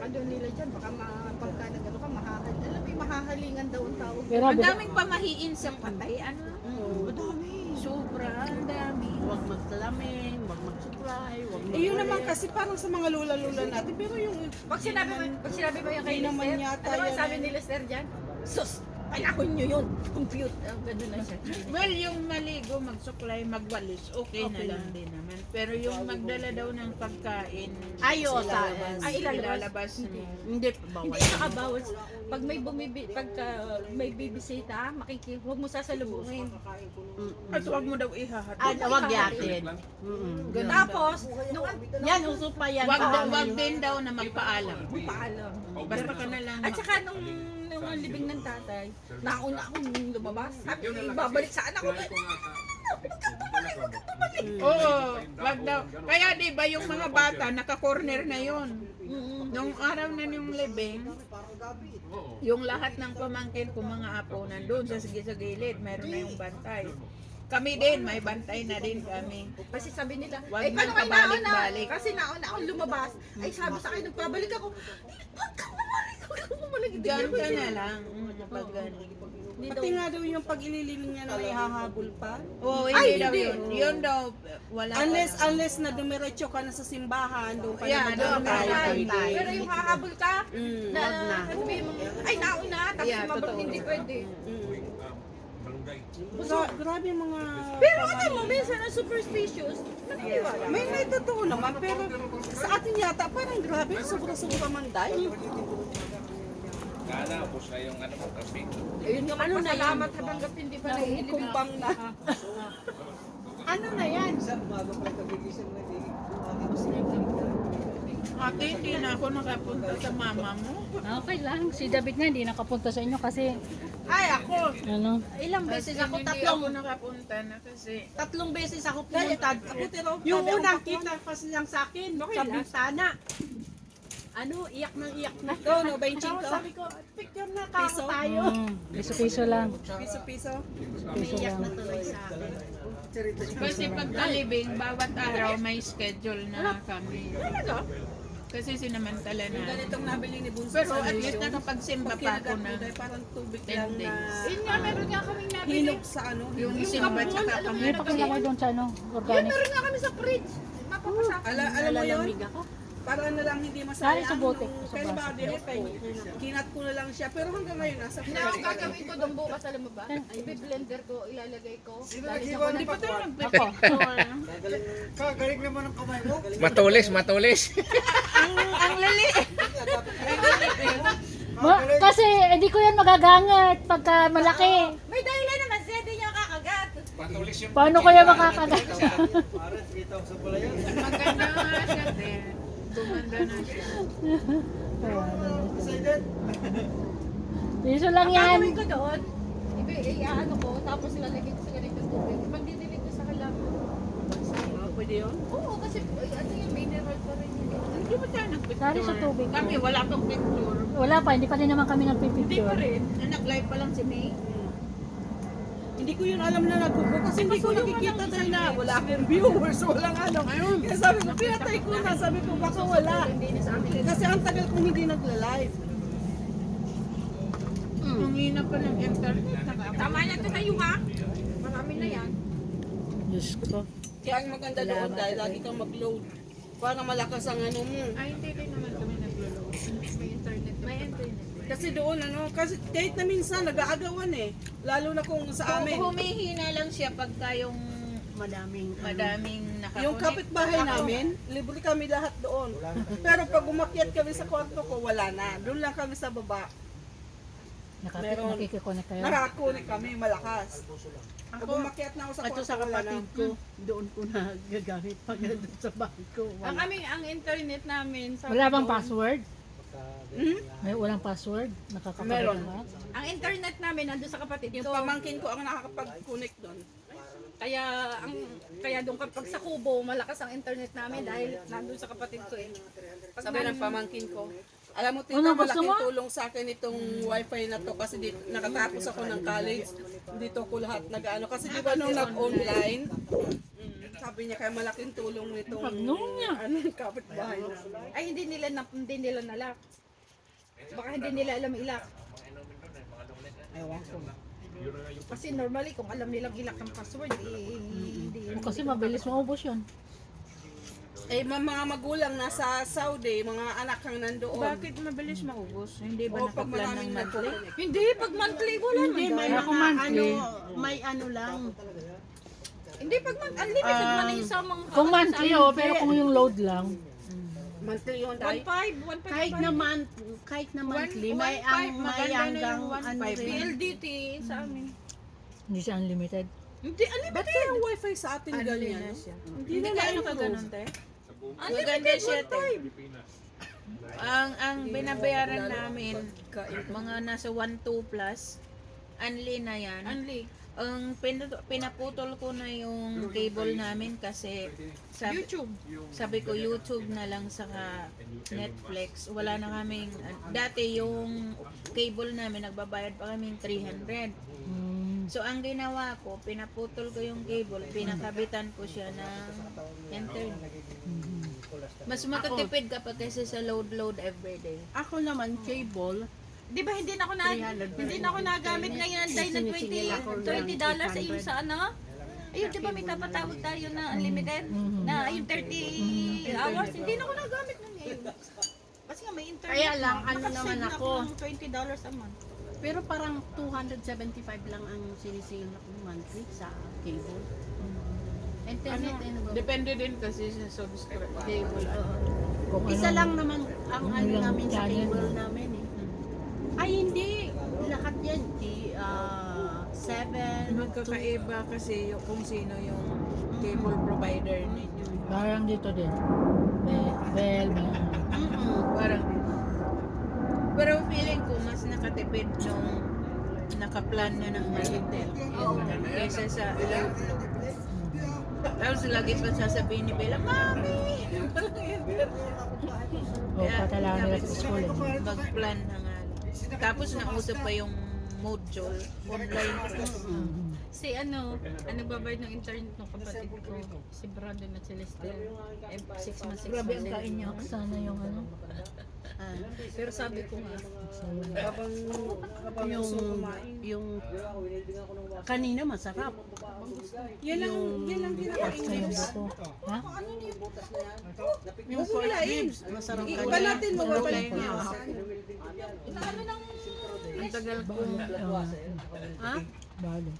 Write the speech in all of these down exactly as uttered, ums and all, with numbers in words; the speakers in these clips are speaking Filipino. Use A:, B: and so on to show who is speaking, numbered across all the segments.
A: ano nila dyan, baka ma- pagka nagano ka, mahahal. Alam mo, yung mahahalingan daw ang tawag.
B: Pero
C: Ang daming pamahiin sa patay, ano?
A: Oo, madami.
C: Sobra, ang dami.
D: Huwag magsalaming, huwag mag-supply, huwag mag-
A: Eh, yun naman kasi parang sa mga lula-lula natin, pero yung...
C: Pag sinabi mo, pag sinabi mo yung kay
A: Hindi naman
C: Lester,
A: yata
C: ano ba
A: yan
C: sabi
A: eh.
C: ni Lester dyan? Sus! Panahon nyo yun! Compute! Ang gano'n na siya.
E: Well, yung maligo, mag-supply, magwalis, okay, na lang din naman. Pero yung magdala daw ng pagkain,
C: Ayo, sa,
D: Ilalabas.
C: ay ilalabas.
E: ilalabas mo. Hindi, bawal.
C: Hindi, nakabawas. Pag may bumibi, pagka may bibisita, makiki, huwag mo sasalubungin.
E: At huwag mo daw ihahatid.
D: Ah, wag yatin. Mm-mm.
C: Tapos, nung
D: Yan, uso pa yan.
E: Wag,
D: Paano
E: daw, wag
D: yun?
E: din daw na magpaalam.
C: paalam.
E: Basta ka na lang.
C: At saka nung nung ang libing ng tatay, nauna akong lumabas. Sabi, babalik sa anak ko.
E: Oo, wag daw. Kaya di ba yung mga bata, naka-corner na yun. Nung araw na yung libing, yung lahat ng pamangkin ko mga apo nandun sa sige sa gilid, meron na yung bantay. Kami din, may bantay na din kami.
C: Kasi sabi nila,
E: Wag
C: eh paano
E: nang
C: kayo nauna?
E: pabalik-balik.
C: Kasi nauna akong lumabas. Ay sabi sa akin, nagpabalik ako. Huwag ka bumalik, huwag ka bumalik. Hindi
E: Diyan
C: ako
E: ka
C: sila-
E: na lang. mm, Pag ganun.
C: Hindi
A: Pati nga daw yung pag ilililing niya na may hahabol pa.
E: Oo,
C: Ay,
E: hindi daw
C: hindi.
E: yun. Yun daw, wala.
A: Unless,
E: pa.
A: unless na dumiretso ka na sa simbahan, doon pa
E: Yeah,
A: na
E: doon
A: mag-antay.
E: ka na.
D: Antay.
C: Pero yung hahabol ka,
A: Mm,
C: na,
D: wag na.
C: sabihin mo, ay nauna, tapos
E: Yeah,
C: mabalik,
E: totoo.
C: hindi pwede.
A: mm. Gra- grabe yung mga...
C: Pero ano mo, minsan ang superstitious, naniniwala.
A: May may totoo naman, pero sa atin yata parang grabe, sobra-sobra man dahil.
F: Kala, ubos na yung ano mo, kape.
C: Ayun nga, ano na salamat habang hindi pa nahihilip.
A: Kumbang na. Ano na yan?
E: Ate, hindi na ako nakapunta sa mama mo.
B: okay lang. Si David nga hindi nakapunta sa inyo kasi
E: Ay, ako!
B: ano,
C: Ilang beses ako,
E: Hindi
C: tatlong,
E: ako nakapunta na kasi.
C: tatlong beses ako pumunta. Ako pero,
A: Yung
C: sabi ko,
A: unang
C: "Bakit?"
A: kita kasi lang sa akin,
C: Okay
A: sa
C: lang.
A: bintana.
C: ano, iyak nang iyak na.
A: Ito, no, benching
C: Tapos
A: ko.
C: sabi ko, picture na
A: Piso?
C: kako tayo.
B: mm, piso-piso lang.
A: Piso-piso.
B: Piso
C: Iyak
B: lang.
C: na tuloy sa akin.
E: Kasi pagkalibing, bawat araw may schedule na kami.
C: Talaga?
E: Kasi sinamantala na.
A: Ganitong nabili ni Bunso
E: Pero
A: sa
E: at least
A: Lucio.
E: nakapagsimba
A: Pag
E: pa ako na.
A: kinagatuday, parang tubig
E: ten
A: lang na
E: days.
C: Yun nga, meron nga kaming nabili.
A: hinog sa ano.
E: Yung
A: hinog.
E: simba
C: kapon,
E: tsaka
C: alam mo
E: kami.
B: May pakita ko doon sa ano,
C: Yun,
B: organic.
C: meron nga kami sa fridge. Mapapasa.
A: Ala, alam mo yun?
C: Nalalamig ako.
A: Para na lang hindi
B: Dahil
A: masayang.
B: sa bote,
A: nung
B: sa
A: kailan ba
B: baso.
A: direct ko? Kinat ko na lang siya. Pero hanggang ngayon, nasa
C: Hindi ako gagawin ko doon bukas, alam mo ba? Ibi-blender ko, ilalagay ko. Dahil sa
E: Hindi pa tayo
B: Ako.
E: nagpipicture.
F: Matulis, matulis.
E: Ang lali.
B: Ma- kasi hindi ko yan magagangat pagka malaki.
C: May dahilan naman siya, hindi niya kakagat.
F: Matulis yung
B: Paano kaya makakagat?
E: Maganda nga siya din. Gumanda na siya.
B: Piso lang
C: Ang
B: yan.
C: gagawin ko doon, ibi, eh, ano ko, tapos lalagay ko sa ganitong tubig. Magdidilig ko sa halaman.
A: Pwede yun?
C: Oo, kasi ay, ano yung mineral pa rin yun.
E: Hindi ba tayo nagpicture?
B: Sari sa tubig.
E: Kami, wala pang picture.
B: Wala pa, hindi pa rin naman kami
E: Hindi
B: nagpipicture.
E: pa rin. Nag-live pa lang si May.
A: Hindi ko yun alam na nagbubo kasi hindi ko nakikita dahil na wala akong viewers, walang ano. Kaya sabi ko, pinatay ko na. Sabi ko, baka wala.
C: Hindi na sa amin.
A: Kasi ang tagal kong hindi nagla-live.
E: Ang hina pa ng internet.
C: Tama na ito kayo ha. Marami na yan.
B: Diyos ko.
A: Kaya ang maganda doon dahil lagi kang mag-load. Para malakas ang ano mo.
E: Ay, hindi rin naman kami nag-load. May internet. May internet.
A: Kasi doon ano, kasi kahit na minsan nag-aagawan eh. Lalo na kung sa amin.
E: Humihina lang siya pagka yung
D: Madaming,
E: madaming nakakunik.
A: Yung kapitbahay namin, libre kami lahat doon. Pero pag umakyat kami sa kwarto ko, wala na. Doon lang kami sa baba.
B: Nakapit,
A: Meron.
B: nakikikonek kayo.
A: Nakakunik kami, malakas. Pag umakyat na ako sa
D: Ito
A: kwarto,
D: sa
A: wala na.
D: kapatid ko, doon ko na gagamit pag nandun sa bahay ko.
C: Ang
D: Wala.
C: aming, ang internet namin, sa
B: Wala bang password?
A: Hmm?
B: May walang password? Nakakapagod
A: Meron.
B: ba?
C: ang internet namin nandun sa kapatid
A: Yung
C: ko.
A: pamangkin ko ang nakakapag-connect doon.
C: Kaya ang kaya doon kapag sa Kubo, malakas ang internet namin dahil nandun sa kapatid ko eh. Pag
A: Sabi ng pamangkin ko, alam mo, tita,
B: Ano, gusto
A: malaking
B: mo?
A: tulong sa akin itong wifi na to kasi dito, nakatapos ako ng college. Dito ko lahat nag-ano. Kasi di ba nung nag-online, Sabi niya kaya malaking tulong nitong
B: Pagnoon niya.
A: ano, kapitbahay na.
C: Ay, hindi nila na, hindi nila nalak. Baka hindi nila alam ilak.
A: Ewan ko.
C: Kasi normally, kung alam nilang ilak ng password, eh, hindi.
B: Kasi mabilis maubos yun.
A: Eh, ma- mga magulang nasa Saudi, mga anak kang nandoon.
E: Bakit mabilis maubos? Hindi ba
A: O pag
E: nakaplan ng
A: maraming
E: monthly?
A: nagko-connect.
C: Hindi, pag monthly, wala
D: Hindi,
C: naman.
D: may
B: Kaya
D: mga
B: kung monthly.
D: ano, may ano lang.
C: Hindi, pag monthly, unlimited
D: Um,
C: man yung sa mga...
B: Kung monthly, oh, pero kung yung load lang.
A: Monthly yun
C: one
A: tayo.
C: five, one five.
D: Kahit na month, kahit na monthly, may
E: one five,
D: ang may
E: maganda na
D: hanggang
E: yung one
D: ano
E: five.
C: P
D: rin.
C: L D T sa amin.
B: Hindi siya unlimited.
C: Hindi, unlimited.
A: Ba't kaya ang wifi sa atin ganyan?
E: na siya.
A: Hindi
E: Hindi
A: na
E: ka ano
A: na
E: ka ganun, te? Maganda
C: Unlimited,
E: siya,
C: one
E: te.
C: five.
E: Ang ang binabayaran namin, mga nasa one two plus, unli na yan.
C: Unli.
E: Ang pin- pinaputol ko na yung cable namin kasi sabi,
C: YouTube.
E: sabi ko YouTube na lang saka Netflix. Wala na kaming, dati yung cable namin, nagbabayad pa kaming three hundred.
B: Hmm.
E: So ang ginawa ko, pinaputol ko yung cable, pinakabitan ko siya ng internet. Mas makatipid kapag kasi sa load-load everyday.
D: Ako naman, cable,
C: Di ba hindi na ako na
D: three hundred
C: hindi na ako nagamit ngayon dahil na twenty twenty dollars ay yung sa ano? Ayun, di ba may tapatawag tayo na unlimited? Na yung thirty hours, hindi na ako nagamit nun ngayon. Kasi nga may internet.
D: Kaya lang,
C: na.
D: ano
C: Nakasave
D: naman
C: na
D: ako.
C: ng twenty dollars a month.
D: pero parang two hundred seventy-five lang ang sinisingil ko monthly sa cable. Internet, ano, ba?
E: Depende din kasi sa subscribe.
D: Cable, oo.
B: Kung
D: Isa
B: ano-
D: lang naman ang
B: Ano
D: ano
B: lang
D: namin sa
B: channel.
D: cable namin eh. Ay hindi, lahat yan. Di, ah, seven,
E: Magkakaiba kasi yung, kung sino yung cable provider ninyo.
B: Parang dito din. Bell, bell, bell.
D: Mm-mm.
E: Parang, pero feeling ko mas nakatipid nung nakaplan na ng Maritel kaysa sa load. Tapos lagi pa sasabihin ni Bella, Mami!
B: O, patala nila sa school. Eh.
E: Mag-plan na nga. Tapos nausap pa yung module, online class.
B: Mhm.
C: Si ano, ano babayad ng internet ng kapatid ko, si Brandon at Celeste. Eh, six months, six
E: Grabe ang
C: months.
E: kain niya.
B: Sana yung ano.
D: Ah,
C: Pero sabi ko nga,
A: Habang, habang
D: yung,
A: gusto kumain.
D: yung, kanina masarap.
A: Yan lang, yan lang
B: Basta
A: kinakain.
B: yung buko. Ha?
D: Yung pork ribs, masarap
A: Iba
D: kanina.
A: natin mababalik
E: Ano
A: niya.
C: ano nang
E: Ang tagal ko.
B: Ah,
D: Ha?
B: balo.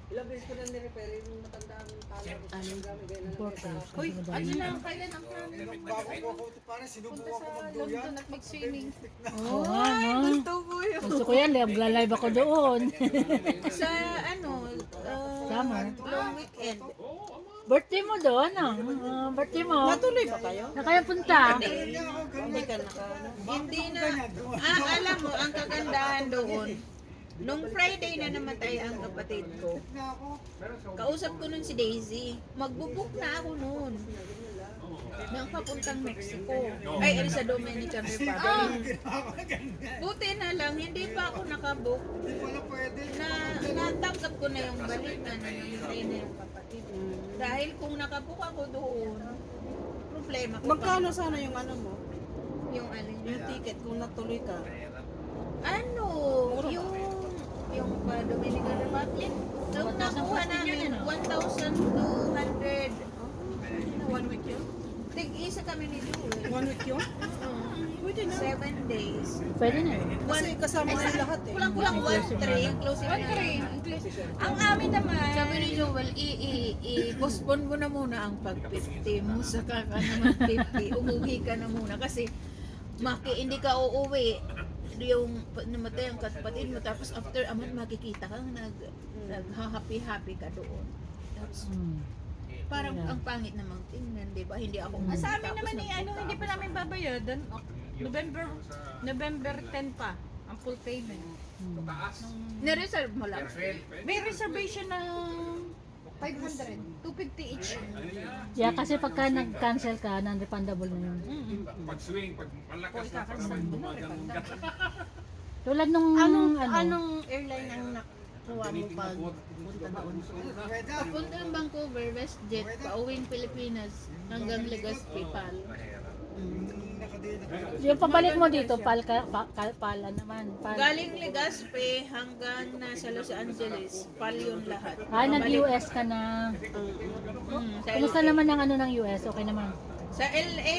D: Ano?
B: Important.
C: Uy, ano na, kailan ang planning mo? Punta sa London at mag-swimming.
B: Oo nga, no?
E: Gusto ko yun.
B: Gusto ko yan, magla-live ako doon.
E: Sa ano, uh,
B: Summer.
E: long weekend.
B: Birthday mo doon, ano? Ah, birthday mo.
A: Natuloy ba kayo?
B: Na kaya punta.
A: Hindi ka naka...
E: Hindi na, ah, alam mo, ang kagandahan doon, nung Friday na namatay ang kapatid ko, kausap ko nun si Daisy, magbubuk na ako nun. Nang papuntang Mexico. Ay, ano sa Dominican Republic. Buti na lang, hindi pa ako nakabook. Na, natanggap ko na yung balita na namatay na yung kapatid. Dahil kung nakabook ako doon, problema ko.
A: Magkano sana yung ano mo?
E: Yung alin?
A: Yung ticket kung natuloy ka.
E: Ano, yung yung pa Dominican Republic, nung nakuha namin one thousand two hundred.
A: One week yun?
E: Tig-isa kami ni Jewel.
A: One week yun?
E: Pwede na. Seven days.
B: Pwede na eh.
A: Kasi kasama na lahat eh.
E: Kulang-kulang one three, yung closing
C: One
E: na.
C: three. Ang amin naman,
E: Sabi ni Joel, i- i- i-postpone mo na muna ang pag-fifty mo, saka ka naman fifty, umuwi ka na muna kasi maki, hindi ka uuwi yung pa- namatay ang kapatid mo tapos after a month makikita kang nag, nag-happy-happy ka doon. Tapos
B: Hmm.
E: parang
B: Yeah.
E: ang pangit namang tingnan, di ba? Hindi ako
C: ah, sa amin
E: tapos
C: naman eh,
E: nagpunta
C: ano, hindi pa
E: ako.
C: namin babayadan. November, November ten pa, ang full payment.
E: Nireserve mo lang.
C: May reservation ng five hundred, two fifty each.
B: Yeah, kasi pagka nag-cancel ka, non-refundable na yun.
F: Pag-swing, pag malakas na
C: Kakasan mo na, refund.
B: Tulad nung,
D: Anong,
B: ano,
D: anong airline ang nak- makukuha mo pag punta doon. Papunta ng Vancouver, WestJet, pauwing Pilipinas hanggang Legazpi, Pal. Mm.
B: Yung pabalik mo dito, pal, ka, pa, ka- pala naman. Pal.
E: Galing Legazpi hanggang nasa Los Angeles, pal yun lahat.
B: Ah, nag-U S ka na.
E: Mm, sa,
B: Kumusta naman ang ano ng U S? Okay naman.
E: sa L A,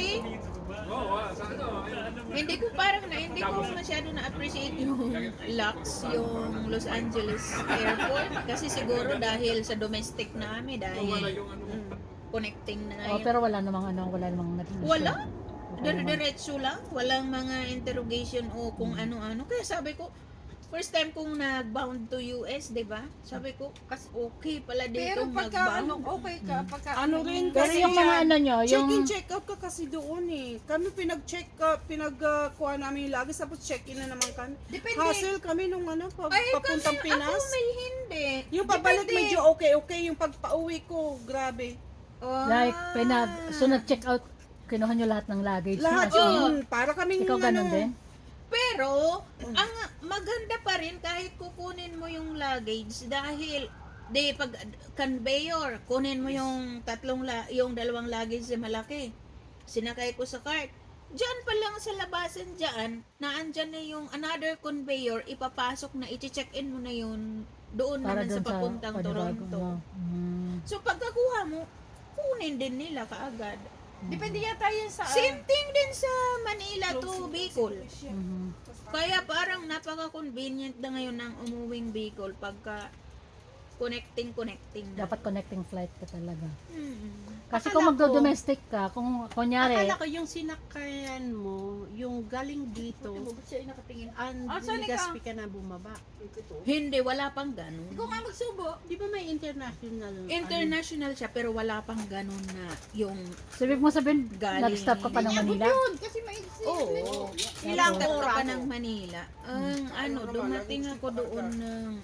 E: hindi ko parang na, hindi ko masyado na-appreciate yung Lux, yung Los Angeles Airport. Kasi siguro dahil sa domestic namin, dahil mm, connecting na
B: Oh,
E: yun.
B: pero wala namang ano, wala namang naging issue.
E: Wala.
B: Okay naman.
E: Dire-diretso lang. Walang mga interrogation o kung ano-ano. Kaya sabi ko, first time kong nag-bound to U S, di ba? Sabi ko, kas okay pala dito
C: Pero pagka ano,
E: nag-bound.
C: okay ka, pagka
A: Ano rin
B: Pero
A: kasi
B: yung mga ano nyo, yung...
A: check-in, check-out ka kasi doon eh. Kami pinag-check ka, pinag-kuha namin yung lagi, tapos check-in na naman kami.
C: Depende.
A: Hassle kami nung ano, pa,
E: Ay,
A: papuntang
E: kasi
A: Pinas.
E: ako may hindi.
A: Yung pabalik
E: Depende.
A: medyo okay-okay, yung pagpa-uwi ko, grabe.
E: Ah.
B: Like, pinag... So, nag-check out, kinuha nyo lahat ng luggage.
A: Lahat
B: mo, as in.
A: yun, para kaming
B: Ikaw ganun
A: ano,
B: din?
E: Pero, ang maganda pa rin kahit kukunin mo yung luggage dahil di pag conveyor, kunin mo yung tatlong la, yung dalawang luggage na malaki. Sinakay ko sa cart. Diyan pa lang sa labasan diyan, naandyan na yung another conveyor, ipapasok na, i-check-in mo na yun doon
B: Para
E: naman
B: doon
E: sa papuntang
B: Panibago,
E: Toronto.
B: ano. Mm.
E: So pagkakuha mo, kunin din nila kaagad.
C: Depende yata yan sa...
E: Same thing din sa Manila to Bicol.
B: Mhm.
E: Kaya parang napaka-convenient na ngayon ng umuwing Bicol pagka connecting-connecting na.
B: Dapat connecting flight ka talaga.
E: Mm.
B: Kasi
D: Akala
B: kung
D: ko-
B: magdo-domestic ka, kung kunyari,
D: Akala ko yung sinakayan mo, yung galing dito,
C: Ba't siya ay nakatingin?
D: and
C: Ah, saan
D: Legazpi ka na bumaba.
E: Hindi, wala pang ganun.
C: Ikaw nga magsubo.
D: Di ba may international?
E: International siya pero wala pang ganun na yung
B: sabi mo sabihin,
E: Galing.
B: nag-stop ka pa ng Manila?
C: Yun, kasi may...
E: oo, ilang ka pa ng Manila. Ang ano, dumating ako doon ng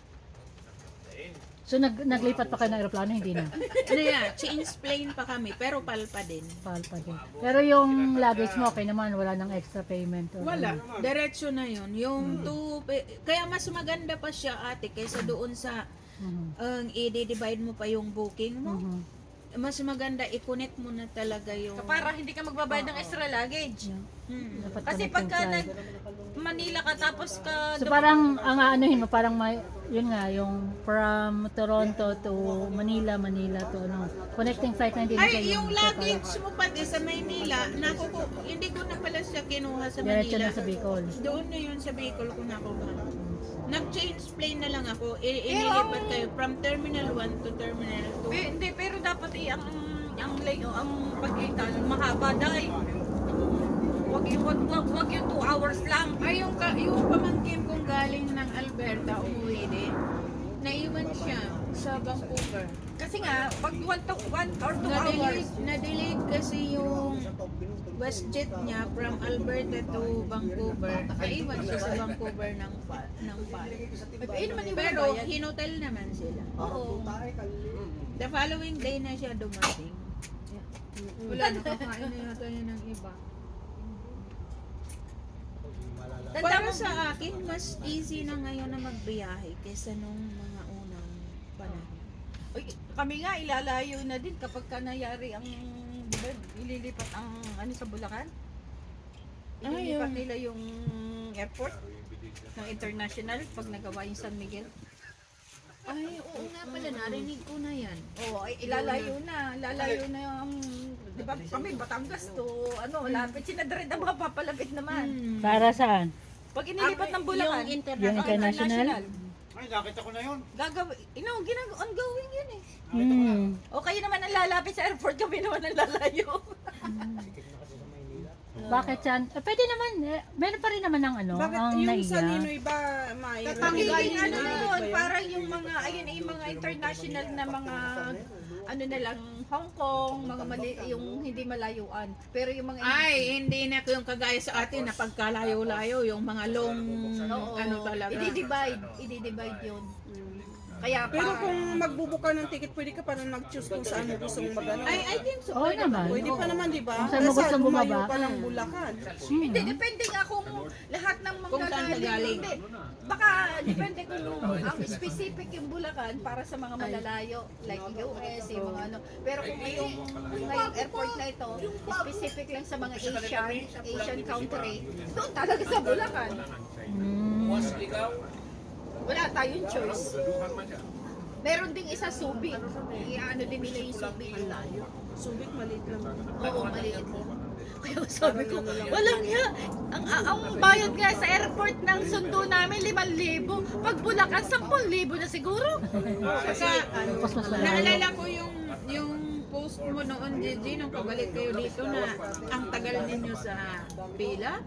B: So, nag naglipat pa kayo ng aeroplano? Hindi na.
E: ano yan, change plane pa kami pero palpa din.
B: Pal pa din. Pero yung luggage mo, okay naman. Wala nang extra payment. Or
E: Wala,
B: ano.
E: diretso na yun. Yung two, kaya mas maganda pa siya ate kaysa doon sa
B: Mhm.
E: ang i-divide mo pa yung booking mo.
B: Mhm.
E: Mas maganda i-connect mo na talaga yung
C: Para hindi ka magbabayad ng extra luggage.
E: Hmm.
B: Dapat
C: Kasi
B: connecting
C: pagka
B: flight.
C: nag Manila ka tapos ka...
B: So parang ang aanuhin mo, parang may, yun nga, yung from Toronto to Manila, Manila to ano, connecting flight na hindi na
E: Ay,
B: kayo.
E: yung luggage mo pati sa Maynila, naku ko, hindi ko na pala siya kinuha sa
B: Diretso
E: Manila.
B: na sa Bicol.
E: Doon na yun sa Bicol ko nakuha. Nag-change plane na lang ako. I- inilipat kayo from Terminal one to Terminal two.
C: Pe, hindi, pero dapat eh, ang ang lay, ang pagitan mahaba dahil wag yung wag, wag, wag yung two hours lang.
E: Ay, yung, ka, yung pamangkin kong galing ng Alberta, umuwi din. Naiwan siya sa Vancouver.
C: Kasi nga, pag one, to, one or two hours,
E: Na-delayed, na-delayed kasi yung WestJet niya from Alberta to Vancouver. Naiwan siya sa Vancouver ng pa, ng pal.
C: eh naman yung
E: Pero
C: bayad.
E: hinotel naman sila.
C: Oo.
E: The following day na siya dumating. Wala, nakakain na yata yun ng iba. Para
C: Tanda mo
E: sa akin, mas easy na ngayon na magbiyahe kaysa nung mga unang panahon.
C: Uy, kami nga ilalayo na din kapag ka nangyari ang di ba, ililipat ang ano sa Bulacan. Ililipat
E: Ayun.
C: nila yung airport ng international pag nagawa yung San Miguel.
E: Ay, oo nga pala, narinig ko na yan.
C: Oo, ay ilalayo na, lalayo na yung di ba kami Batangas to ano, lapit sinadred ang mapapalapit naman.
E: Hmm.
B: Para saan?
C: Pag inilipat ng Bulacan,
D: Yung international.
B: Yung international?
F: Ay, nakita ko na yun.
C: Gagawin, you know, ginag ongoing yun eh.
B: Hmm.
C: O kayo naman ang lalapit sa airport, kami naman ang lalayo.
B: Bakit yan? Eh, pwede naman. Eh, meron pa rin naman ng ano,
A: Bakit
B: ang
A: yung sa
B: naiya.
A: Ninoy ba, May?
C: Magiging ano na yun, parang yung mga, ayun ay yung mga international na mga, ano na lang, Hong Kong, mga mali, yung hindi malayuan. Pero yung mga,
E: Ay, hindi na yung kagaya sa atin na pagkalayo-layo, yung mga long,
C: oo,
E: ano talaga.
C: i-divide, i-divide yun. Kaya
A: Pero
C: pa,
A: kung magbubuka ng ticket, pwede ka pa rin mag-choose kung saan mo gusto mong magano.
C: I, I think so.
B: Oo naman.
A: Pwede pa naman, di ba?
B: Kung saan mo
A: Basta
B: gustong
A: lumayo
B: bumaba.
A: ka ng Bulacan.
C: Hindi, depende nga kung lahat ng
E: Kung saan ka
C: manggagaling.
E: galing.
C: Hindi. Baka depende kung ang specific yung Bulacan para sa mga malalayo, like U S, yung mga ano. Pero kung ngayong, ngayong airport na ito, specific lang sa mga Asian, Asian country, doon talaga sa Bulacan.
B: Hmm.
C: Wala tayong choice. Meron ding isa Subic. Iano din nila yung Subic.
A: Subic, maliit lang.
C: Oo, maliit. Kaya sabi ko, walang nga. Ang, ang bayad nga sa airport ng sundo namin, limang libo. Pag Bulacan, sampung libo na siguro.
E: Saka,
B: Tapos mas malayo.
E: naalala ko yung yung post mo noon, Gigi, nung pabalik kayo dito na ang tagal ninyo sa pila.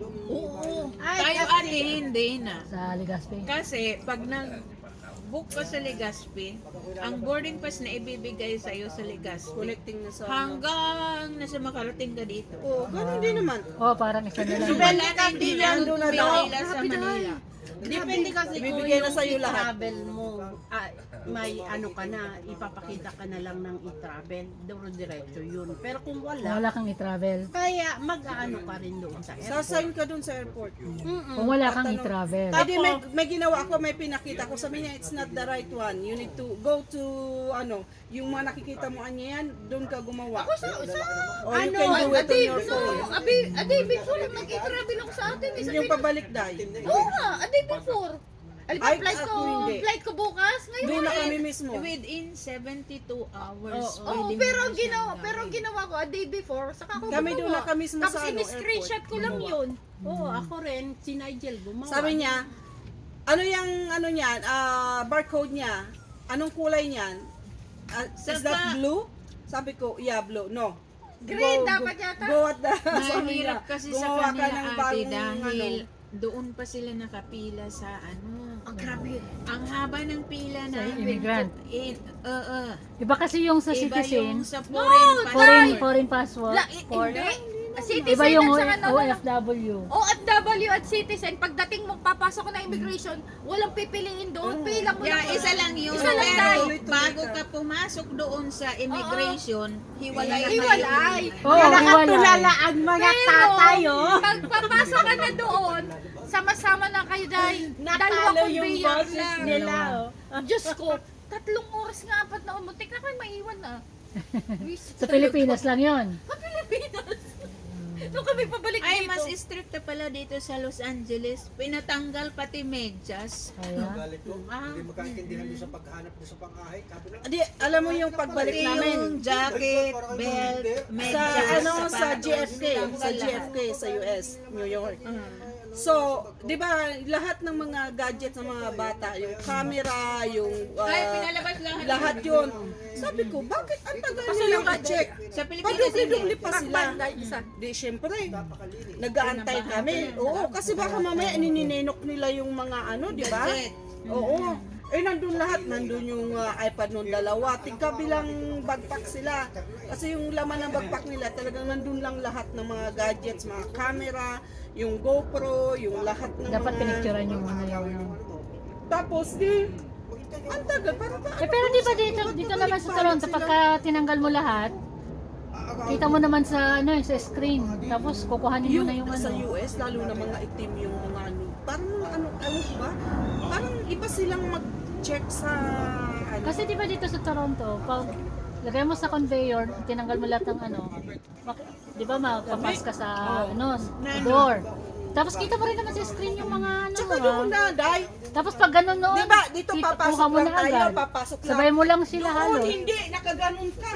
C: Oo.
E: Tayo ate hindi na.
B: Sa Legazpi.
E: Kasi pag nag-book ka sa Legazpi, ang boarding pass na ibibigay sa iyo sa Legazpi
A: Connecting na sa...
E: hanggang nasa makarating ka dito.
A: Oo, ganun din naman.
B: Oh, parang isa na lang.
E: So, wala na hindi na
A: Nandun na daw.
E: pumila sa Manila.
G: Depende kasi kung
A: Ibibigay na
G: yung
A: sa'yo lahat.
G: i-travel mo, ah, may ano ka na, ipapakita ka na lang ng i-travel, diretso yun. Pero kung wala,
B: Wala kang i-travel.
G: kaya mag-ano ka rin doon sa airport.
A: Sasign ka dun sa airport.
B: Kung wala kang i-travel.
A: Pwede may, may ginawa ako, may pinakita ko. Sabi niya, it's not the right one. You need to go to, ano, yung mga nakikita mo anya yan, doon ka gumawa.
C: Ako sa, sa,
A: Or you
C: ano,
A: can do
C: a
A: it on
C: day,
A: your
C: no,
A: phone.
C: a day, a day before lang nag-i-travel ako sa atin. Eh,
A: Hindi
C: sabi
A: yung
C: ko,
A: pabalik dahil.
C: oo nga, a day before. Alam
A: Ay,
C: flight ko,
A: ako hindi.
C: flight ko bukas. Ngayon
A: Doon na
C: eh.
A: kami mismo.
E: Within seventy-two hours.
C: Oo,
E: pwede mo
C: pero
E: na
C: ang
E: siyang
C: ginawa,
E: gawin.
C: pero ang ginawa ko a day before, saka ako
A: Kami
C: gumawa.
A: doon na kami mismo
C: Tapos
A: sa, ano,
C: in-screenshot ko lang yun.
G: Oo, ako rin, si Nigel gumawa.
A: Sabi niya, ano yung, ano niyan, ah, barcode niya, anong kulay niyan? Ah, is
E: Saka-
A: that blue? Sabi ko, yeah, blue. No.
C: Green
A: Go-
C: dapat
A: go-
C: yata.
A: Go at the, sabi niya,
E: Mahirap kasi sa
A: gumawa ka
E: kanila
A: ng
E: ate
A: bagong,
E: dahil
A: ano.
E: doon pa sila nakapila sa ano.
C: Ang grabe.
E: Ang haba ng pila
B: Sa
E: namin.
B: immigrant.
E: In, oo.
B: Iba kasi yung sa
E: Iba yung
B: citizen,
E: sa foreign passport.
B: foreign foreign passport,
C: La, i-
B: for,
C: hindi. Citizen
B: iba yung
C: at saka ano,
B: O F W.
C: O F W at citizen, pagdating mo, papasok ko na immigration, walang pipiliin doon, pila mo
E: Yeah,
C: lang.
E: isa lang yun.
C: Isa lang
E: Pero
C: tayo.
E: bago ka pumasok doon sa immigration, hiwalay na
C: Hiwalay.
E: yun.
B: Oo, hiwalay.
G: ang mga
C: Pero,
G: tatay, oh.
C: pag papasok ka na doon, sama-sama na kayo dahil dalawa
G: Natalo yung
C: conveyor
G: boses
C: lang.
G: nila, oh.
C: Diyos ko, tatlong oras nga apat na umutik na kayo maiwan na.
B: Sa Pilipinas lang yon.
C: Sa Pilipinas. Doon kami pabalik
E: Ay,
C: dito.
E: mas strict na pala dito sa Los Angeles. Pinatanggal pati medyas.
B: Kaya,
F: Galit ko. Hindi magkaintindihan doon sa paghanap doon sa pang-ahay. Sabi na,
A: Di, alam mo yung pagbalik
E: Pati
A: namin.
E: yung jacket, belt,
A: Sa
E: medyas,
A: ano sa
E: sapatos,
A: J F K, sa J F K sa U S, New York.
E: Mm.
A: So, 'di ba, lahat ng mga gadgets ng mga bata, yung camera, yung uh,
E: Ay, pinalabas lahat.
A: lahat 'yun. Sabi ko, bakit ang tagal nilang i-check?
E: Sa Pilipinas,
A: Padubli-dubli pa sila.
C: isa.
A: Di, syempre, nag-aantay kami. Oo, kasi baka mamaya nininenok nila yung mga ano, di ba?
E: Gadget.
A: Oo. Eh, nandun lahat. Nandun yung uh, iPad nung dalawa. Tigkabilang bagpak sila. Kasi yung laman ng bagpak nila, talagang nandun lang lahat ng mga gadgets, mga camera, yung GoPro, yung lahat ng
B: dapat
A: mga...
B: pinicturean yung ano yung...
A: Tapos, di, ang tagal. Parang ba?
B: Eh, pero di ba dito, dito naman sa Toronto, pagka tinanggal mo lahat, kita mo naman sa ano sa screen, tapos kukuhanin mo
A: Yung,
B: na yung
A: sa
B: ano.
A: U S, lalo na mga itim yung mga ano. Parang ano, ano ba? Parang iba silang mag-check sa ano.
B: Kasi di ba dito sa Toronto, pag lagay mo sa conveyor, tinanggal mo lahat ng ano, mak- di ba mapapas ka sa ano, sa door. Tapos kita mo rin naman sa screen yung mga ano.
A: Tsaka
B: ah.
A: yung na, dai.
B: Tapos pag ganun noon,
A: Di ba, dito
B: kita-
A: papasok
B: kuha mo
A: lang
B: na
A: tayo,
B: agad.
A: papasok lang.
B: Sabay mo lang sila
A: Doon,
B: halos.
A: hindi, nakaganon ka.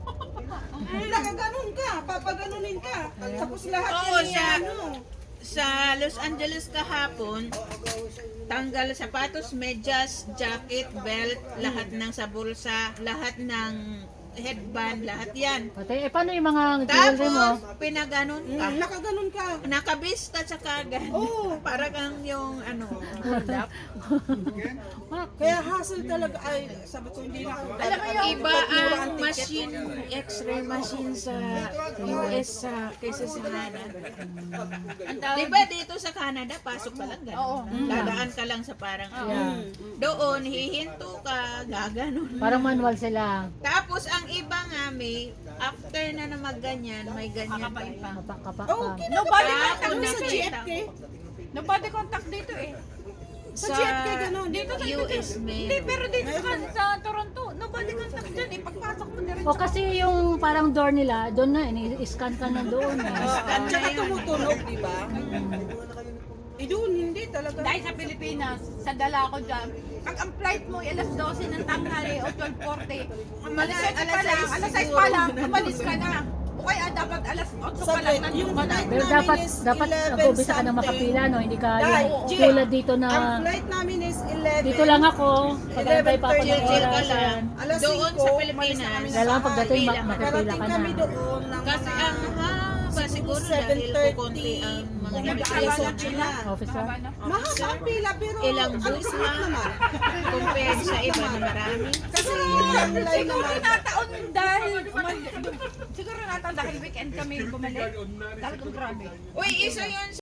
A: Nakaganon ka, papaganunin ka. Tapos lahat
E: Oo,
A: yan
E: sa-
A: ano.
E: Sa Los Angeles kahapon, tanggal sapatos, medyas, jacket, belt, lahat ng sa bulsa, lahat ng headband, lahat yan.
B: Pati, eh, paano yung mga jewelry mo?
E: Tapos, pinaganon ka.
A: Mm, nakaganon ka.
E: Nakabis ka sa kagad.
A: Oo.
E: Para kang yung ano, hold up.
A: Kaya hassle talaga. Ay, sabi ko hindi na ako.
E: Alam mo yung iba ang machine, x-ray machine sa U S sa kaysa sa Canada. Di ba dito sa Canada, pasok ka lang gano'n. Dadaan ka lang sa parang
B: Yeah.
E: doon, hihinto ka, gaganon.
B: Parang manual sila.
E: Tapos ang iba nga may, after na na magganyan, may ganyan pa.
B: Kapak, kapak,
A: Oh,
B: kapak.
C: Nobody
E: Ah,
C: contact
E: kung
A: sa
C: dito
A: G
C: eh.
A: F K.
C: Nobody contact dito eh.
A: Sa G F K ganun.
C: Dito sa
E: U S
C: Hindi,
E: meron.
C: pero dito sa, sa Toronto, nobody contact dyan eh. Pagpasok mo diretso.
B: O kasi yung parang door nila, doon na, ini-scan ka na doon. Eh.
A: At saka tumutunog, di ba? Eh doon, hindi talaga.
C: Dahil sa Pilipinas, sa dala ko dyan, pag ang flight mo ay alas dose ng tanghali o twelve forty, alas seven pa lang, alas sais pa lang, umalis ka na. O kaya dapat alas eight pa lang,
A: Sa yung
C: nandun ka na.
A: flight
B: Pero
A: namin
B: dapat,
A: is
B: dapat
A: eleven
B: nag-umpisa ka ng
A: something.
B: makapila, no? Hindi ka
A: Dahil,
B: yung
A: G-
B: tulad dito na,
A: Ang flight namin is eleven.
B: dito lang ako, pag-antay pa ako ng
E: Chill ka
B: oras.
E: lang.
B: yan.
A: Alas
E: Doon
A: singko,
E: sa
A: umalis
E: Pilipinas.
A: na kami ng
B: Kailangan
A: bahay.
B: pagdating, ma-
E: Pila.
B: makapila
A: Karating
B: ka
A: kami
B: na.
A: doon ng
E: Kasi
A: mga
E: ang haba siguro dahil kukunti ang mga
A: alas
E: immigration
A: otso na.
B: Officer?
A: Mahaba ang pila pero
E: Ilang
A: ang
E: booths
A: sarap
E: lang
A: naman.
E: compared sa iba na marami.
A: Kasi yung line
C: Siguro
A: naman.
C: nataon dahil, umal- siguro nataon dahil weekend kami bumalik. Talagang grabe.
E: Uy, isa yun